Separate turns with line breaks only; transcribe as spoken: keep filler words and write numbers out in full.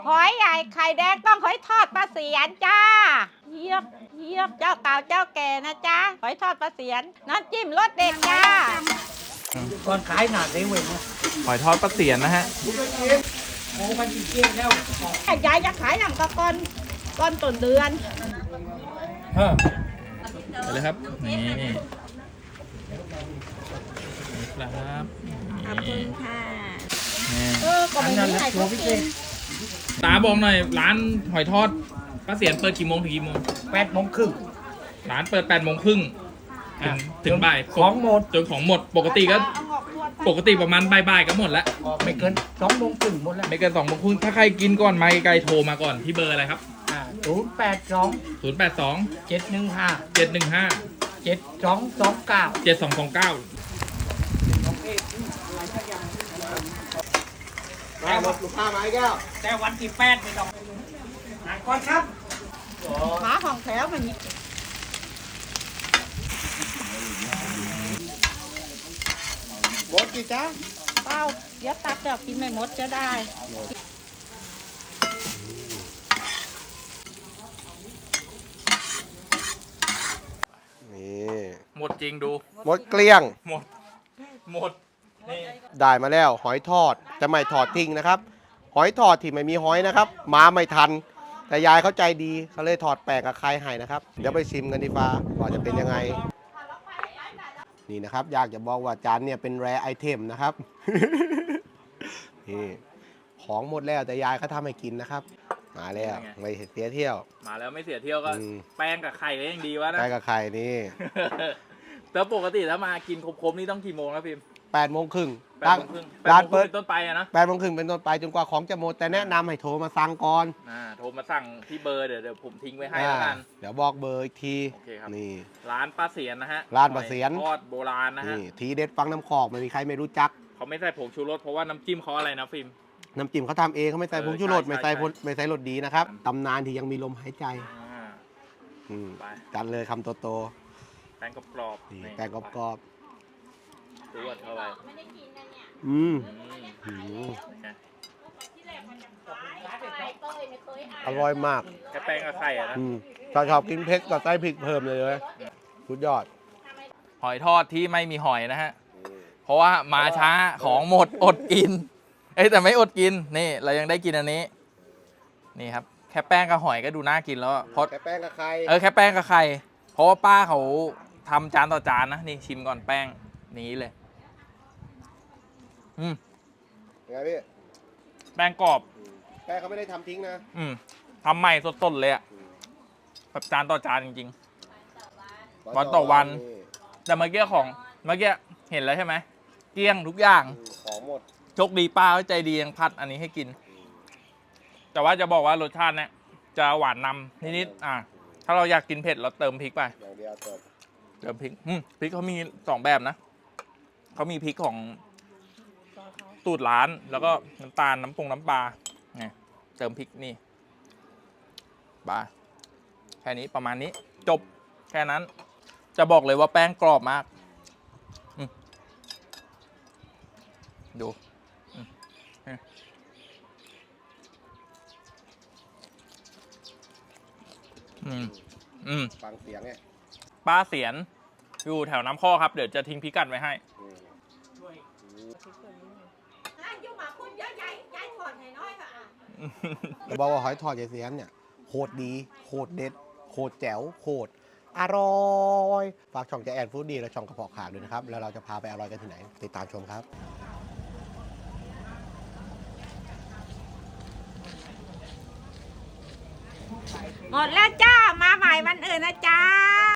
หอยใหญ่ไข่แดงต้องหอยทอดปลาเสียนจ้าเยียบเยียบเจ้าเก่าเจ้าแก่นะจ้าหอยทอดปลาเสียนน้ำจิ้มรสเด็ดจ้า
ก่อนขายหนาเลยเว้ย
หอยทอดปลาเสียนนะฮะ
โอ้มันกินเก่งแล้ว
ยายจะขายหนังกะก้อนก้อนต้นเดือน
เออไปเลยครับนี่นี่ครับ
ขอบคุณค่ะ
เออก็ไม่มีใครเขากินตาบอกหน่อยร้านหอยทอดป้าเสียนเปิดกี่โมงถึงกี่โมง
แปดโมงครึ่ง
ร้านเปิดแปดโมงครึ่งถึงถึงบ่าย
ของหมด
จนของหมดปกติก็ปกติประมาณบ่ายๆก็หมดแล้ว
ไม่เกินสองโมงครึ่งหมดแล้ว
ไม่เกินสองโมงครึ่งถ้าใครกินก่อนมาไกลโทรมาก่อนที่เบอร์อะไรครับ
ศูนย์แปดสอง
ศูนย์แปดสอง
เจ็ดหนึ่งห้า
เจ็ดหนึ่งห้า
เจ็ดสองสองเก้า
เจ็ดสองสองเก้า
แต่วันลูกค้ามาอีกแล้วแต่วันที่แปดไม่ต้องหาก่อนครับ
หมาของแถวมันนี่
หมดกี่จ้า
เป้าเดี๋ยวตักเดี๋ยวกินไม่หมดจะได้
นี่
หมดจริงดู
หมดเกลี้ยง
หมดหมด
ได้มาแล้วหอยทอดจะไม่ทอดทิ้งนะครับหอยทอดที่ไม่มีหอยนะครับมาไม่ทันแต่ยายเขาใจดีเขาเลยถอดแป้งกับไข่ให้นะครับเดี๋ยวไปชิมกันดีฟ้าว่าจะเป็นยังไงนี่นะครับอยากจะบอกว่าจานเนี่ยเป็นแรร์ไอเทมนะครับนี่ของหมดแล้วแต่ยายเขาทำให้กินนะครับมาแล้วไม่เสียเที่ยว
มาแล้วไม่เสียเที่ยวก็แป้งกับไข่ก็ยังดีวะนะ
แป้งกับไข่นี่
แล้วปกติถ้ามากินครบๆนี่ต้องกี่โมงครับพิม
แปดโมงครึ่ง
ร้านเปิดต้นไปอะนะ
แปดโมงครึ่งเป็นต้นไปจนกว่าของจะหมดแต่แนะนำให้โทรมาสั่งก่อน
อ่าโทรมาสั่งที่เบอร์เดี๋ยวเดี๋ยวผมทิ้งไว้ให้แล้วกัน
เดี๋ยวบอกเบอร์อีกที
โอเคครับนี่ร้านป้าเสียนนะฮะ
ร้านป้าเสียน
ทอดโบราณนะฮะ
ทีเด็ดฟังน้ำขอกไม่มีใครไม่รู้จัก
เขาไม่ใส่ผงชูรสเพราะว่าน้ำจิ้มเขาอะไรนะฟิล์ม
น้ำจิ้มเขาทำเองเขาไม่ใส่ผงชูรสไม่ใส่ไม่ใส่รสดีนะครับตำนานที่ยังมีลมหายใจกันเลยคำโต
ๆแป้งกรอบ
ๆแป้งกรอบ
ๆดูว่าเท่าไหร่
อืมอร่อยมาก
แค่แป้งกับไข่อะนะ
ถ้าชอบกินเผ็ดก็ใส่พริกเพิ่มเลยเลยสุดยอด
หอยทอดที่ไม่มีหอยนะฮะเพราะว่ามาช้าของหมดอดกินเอ้แต่ไม่อดกินนี่เรายังได้กินอันนี้นี่ครับแค่แป้งกับหอยก็ดูน่ากินแล้วเพราะ
แค่แป้งกับไข่
เออแค่แป้งกับไข่เพราะว่าป้าเขาทำจานต่อจานนะนี่ชิมก่อนแป้งนี้เลยอืม
ยังไงพี่
แป้งกรอบ
แป้งเขาไม่ได้ทำทิ้งนะ
อืมทำใหม่สดๆเลยอะแบบจานต่อจานจริงๆวันต่อวันแต่เมื่อกี้ของเมื่อกี้เห็นแล้วใช่ไหมเกลี้ยงทุกอย่าง
ของหมด
โชคดีป้าใจดียังพัดอันนี้ให้กินแต่ว่าจะบอกว่ารสชาติเนี่ยจะหวานนำนิดๆอ่ะถ้าเราอยากกินเผ็ดเราเติมพริกไป
อย่างเดียวเติม
เติมพริกอืมพริกเขามีสองแบบนะเขามีพริกของตูดร้านแล้วก็น้ำตาลน้ำปรุงน้ำปลาไงเติมพริกนี่ปลาแค่นี้ประมาณนี้จบแค่นั้นจะบอกเลยว่าแป้งกรอบมากดูอืมอืม
ฟังเสียงไง
ป้าเสียนอยู่แถวน้ำข้อครับเดี๋ยวจะทิ้งพิกัดไว้ให้
จะบอกว่าหอยทอดยายเสียนเนี่ยโคตรดีโคตรเด็ดโคตรแจ๋วโคตรอร่อยฝากช่องแจแอนฟู้ดดีและช่องกระเพาะขาด้วยนะครับแล้วเราจะพาไปอร่อยกันที่ไหนติดตามชมครับ
หมดแล้วจ้ามาใหม่วันอื่นนะจ้า